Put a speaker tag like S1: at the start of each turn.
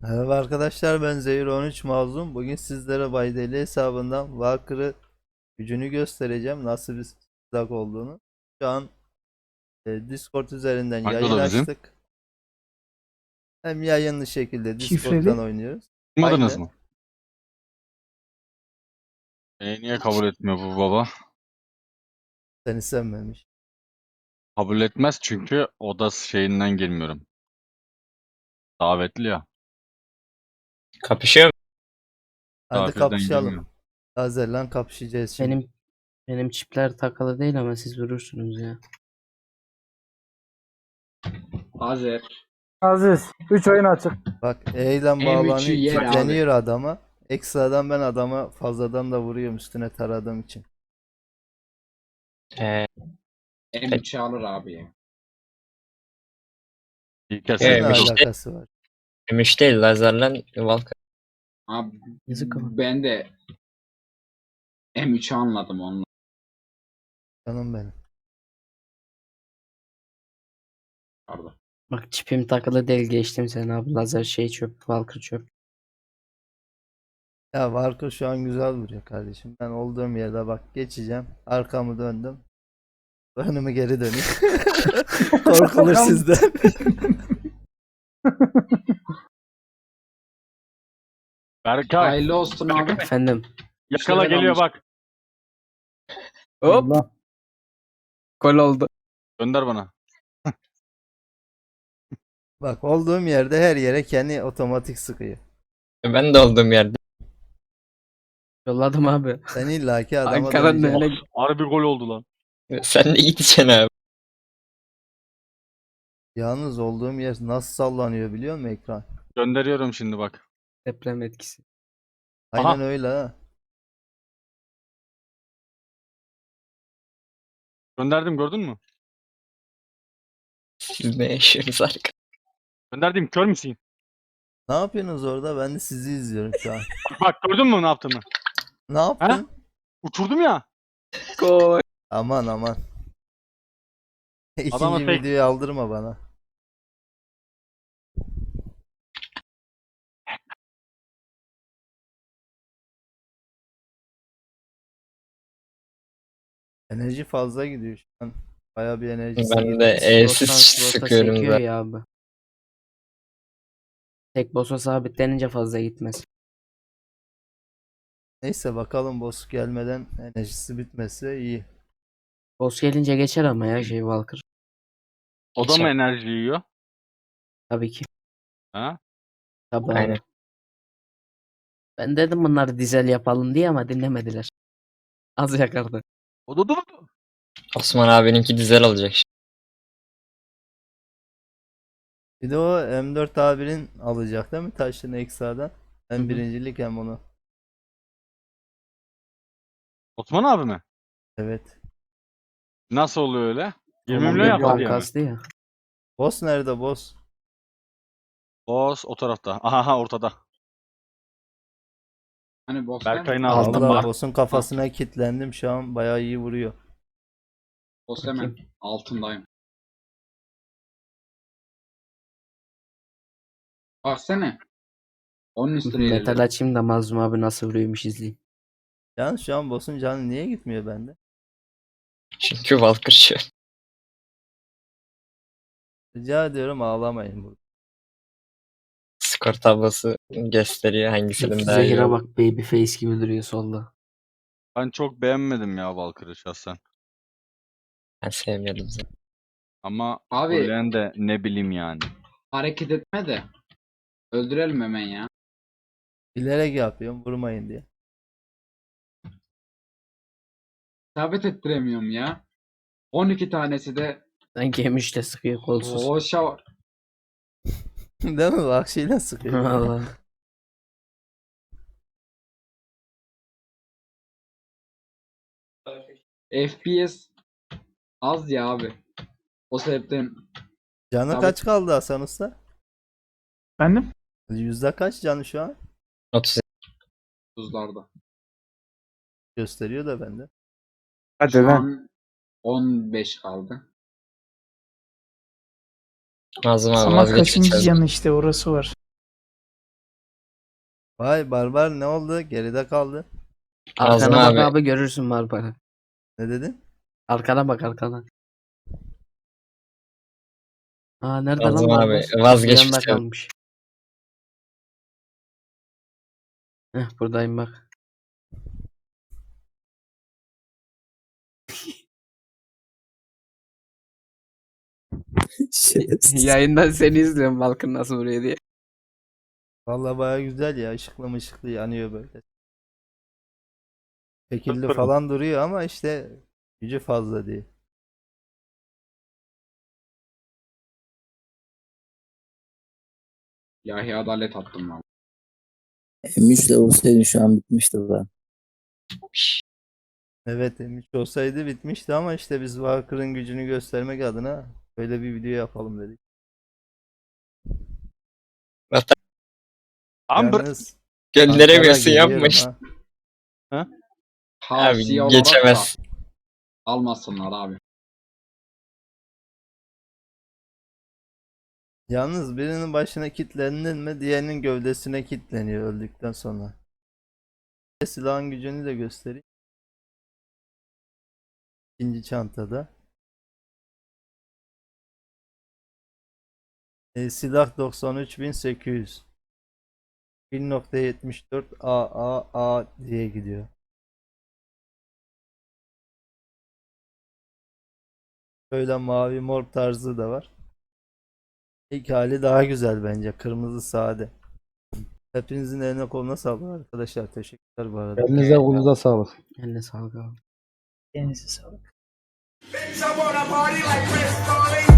S1: Merhaba arkadaşlar, ben Zehir 13 Mazlum. Bugün sizlere Baydeli hesabından Valkyr'ı gücünü göstereceğim. Nasıl bir silah olduğunu. Şu an Discord üzerinden
S2: Hangi
S1: yayın
S2: oda bizim?
S1: açtık. Hem yayınlı şekilde Discord'dan
S3: Şifreli.
S1: oynuyoruz.
S2: Duymadınız
S1: Aynen.
S2: mı? Niye kabul etmiyor bu baba?
S1: Seni sevmemiş.
S2: Kabul etmez çünkü oda şeyinden girmiyorum. Davetli ya.
S4: Kapışıyor mu?
S1: Hadi
S2: Misafirden
S1: kapışalım.
S2: girmiyorum.
S1: Lazerle kapışacağız şimdi.
S5: Benim çipler takılı değil ama siz vurursunuz ya.
S6: Hazır.
S3: Aziz. 3 oyun açık.
S1: Bak E ile
S6: M3'ü
S1: bağlanıyor.
S6: yer abi.
S1: Kilitleniyor adama. Ekstradan ben adama fazladan da vuruyorum üstüne taradığım için.
S6: M3'ü alır abi ya.
S2: İlk kez
S1: Ne
S4: Evet, işte.
S1: alakası var?
S4: Gümüş değil lazerle Valkyrie.
S6: Abi
S5: Yazık ama.
S6: ben de M3'ü anladım onunla.
S1: Canım benim.
S6: Pardon.
S5: Bak çipim takılı değil, geçtim sen abi. Lazer şey çöp, Valkyrie çöp.
S1: Ya Varko şu an güzel vuruyor kardeşim. Ben olduğum yerde bak geçeceğim. Arkamı döndüm. Önümü geri döneyim. Korkulur sizden.
S2: Berkay
S6: Hayırlı olsun abi.
S5: Efendim.
S2: yakala
S6: İşte ben
S2: geliyor
S6: almışım.
S2: bak.
S5: Hop.
S3: Allah.
S5: Gol oldu.
S2: Gönder bana.
S1: Bak olduğum yerde her yere kendi otomatik sıkıyor.
S4: Ben de olduğum yerde.
S5: Yolladım abi.
S1: Sen illaki adama
S5: Ankara'nın
S1: döneceksin.
S5: öyle
S2: Harbi gol oldu lan.
S4: Sen de gideceksin abi.
S1: Yalnız olduğum yer nasıl sallanıyor biliyor musun ekran?
S2: Gönderiyorum şimdi bak.
S5: deprem etkisi.
S1: Aynen
S2: Aha.
S1: öyle ha.
S2: Gönderdim gördün mü?
S4: Siz ne yaşıyorsunuz arka?
S2: Gönderdim kör müsün?
S1: Ne yapıyorsunuz orada? Ben de sizi izliyorum şu an.
S2: Bak gördün mü ne yaptığımı?
S1: Ne yaptın?
S2: Uçurdum ya.
S5: Gol.
S1: Aman aman.
S2: Adama
S1: İkinci
S2: tek-
S1: videoyu aldırma bana. Enerji fazla gidiyor şu an. Bayağı bir enerjisi
S4: Ben
S1: gidiyor.
S4: de evsiz
S5: Slottan
S4: sıkıyorum
S5: sekiyor
S4: da.
S5: ya abi. Tek boss'a sabitlenince fazla gitmez.
S1: Neyse bakalım boss gelmeden enerjisi bitmese iyi.
S5: Boss gelince geçer ama ya şey Valkyrie.
S2: O da mı
S4: Geçer.
S2: enerji yiyor?
S5: Tabii ki.
S2: Ha?
S5: Tabii abi.
S4: Aynen.
S5: Ben dedim bunları dizel yapalım diye ama dinlemediler. Az yakardı.
S2: O da durdu.
S4: Osman abininki dizel olacak şimdi.
S1: Bir de o M4 abinin alacak değil mi taşını ekstradan? Hem
S5: Hı hı.
S1: birincilik hem onu.
S2: Osman abi mi?
S1: Evet.
S2: Nasıl oluyor öyle? 20
S5: Tamam,
S2: milyon
S5: bir
S2: yaptı
S5: puan
S2: diye mi?
S5: kastı ya.
S1: Boss nerede boss?
S2: Boss o tarafta. Aha ortada.
S6: Hani boss'tan
S2: Berkay'ın
S5: Aldım
S2: altında.
S1: Allah
S5: bak.
S1: boss'un kafasına kilitlendim şu an bayağı iyi vuruyor.
S6: boss hemen altındayım. Baksana. Onun üstüne
S5: Metal
S6: ilerledim.
S5: açayım da Mazlum abi nasıl vuruyormuş izleyeyim.
S1: Yalnız şu an boss'un canı niye gitmiyor bende?
S4: Çünkü Valkyrie.
S1: Rica ediyorum ağlamayın burada.
S4: Skor tablosu gösteriyor hangisinin daha iyi
S5: Zehir'e
S4: olduğunu.
S5: bak, baby face gibi duruyor solda.
S2: Ben çok beğenmedim ya Valkyrie'yi şahsen.
S4: Ben sevmiyordum zaten.
S2: Ama
S6: Abi-
S2: söyleyen de ne bileyim yani.
S6: Hareket etme de. Öldürelim hemen ya.
S1: Bilerek yapıyorum vurmayın diye.
S6: İsabet ettiremiyorum ya. 12 tanesi de
S5: Sanki M3'te sıkıyor kolsuz.
S6: boşa var.
S1: Değil mi? Vahşiyle sıkıyor.
S5: Vallahi.
S6: FPS az ya abi. O sebepten
S1: Canı
S6: Tabii.
S1: kaç kaldı Hasan Usta?
S3: Efendim?
S1: Yüzde kaç canı şu an?
S4: 30
S6: tuzlarda.
S1: Gösteriyor da bende.
S3: Hadi
S6: Şu
S3: lan.
S6: an 15 kaldı.
S4: Nazım abi
S3: Ama
S4: vazgeçme
S3: kaçıncı
S4: çöz.
S3: yanı işte orası var.
S1: Vay Barbar ne oldu? Geride kaldı.
S4: Nazım
S5: Arkana bak
S4: abi.
S5: abi görürsün Barbar'ı.
S1: Ne dedin?
S5: Arkana bak arkana. Aa nerede
S4: Nazım
S5: lan
S4: abi,
S5: Barbar?
S4: vazgeçmiş
S5: Yanında
S4: ya.
S5: kalmış. Buradayım bak. Yayından seni izliyorum Balkın nasıl vuruyor diye.
S1: Vallahi baya güzel ya. Işıklı mışıklı yanıyor böyle. Şekilli
S2: Sıfır mı?
S1: falan duruyor ama işte gücü fazla değil.
S6: İlahi adalet attım lan.
S7: M3'le olsaydı şu an bitmişti ben.
S1: Evet M3 olsaydı bitmişti ama işte biz Walker'ın gücünü göstermek adına böyle bir video yapalım dedik.
S2: Amber.
S1: Yalnız
S4: Gönderemiyorsun
S1: Ankara
S4: yapma
S1: geliyorum
S4: işte.
S1: ha.
S6: Tavsiye
S4: Abi
S6: olarak
S4: geçemez.
S6: da almasınlar abi.
S1: Yalnız birinin başına kilitlendin mi diğerinin gövdesine kilitleniyor öldükten sonra. Silahın gücünü de göstereyim. İkinci çantada. Silah 93.800. 1.74 AAA diye gidiyor. Böyle mavi mor tarzı da var. İlk hali daha güzel bence. Kırmızı sade. Hepinizin eline koluna sağlık arkadaşlar. Teşekkürler bu arada.
S3: Elinize kolunuza sağlık.
S5: Eline sağlık abi.
S7: Elinize sağlık.
S8: Bitch, I wanna party like Chris Farley.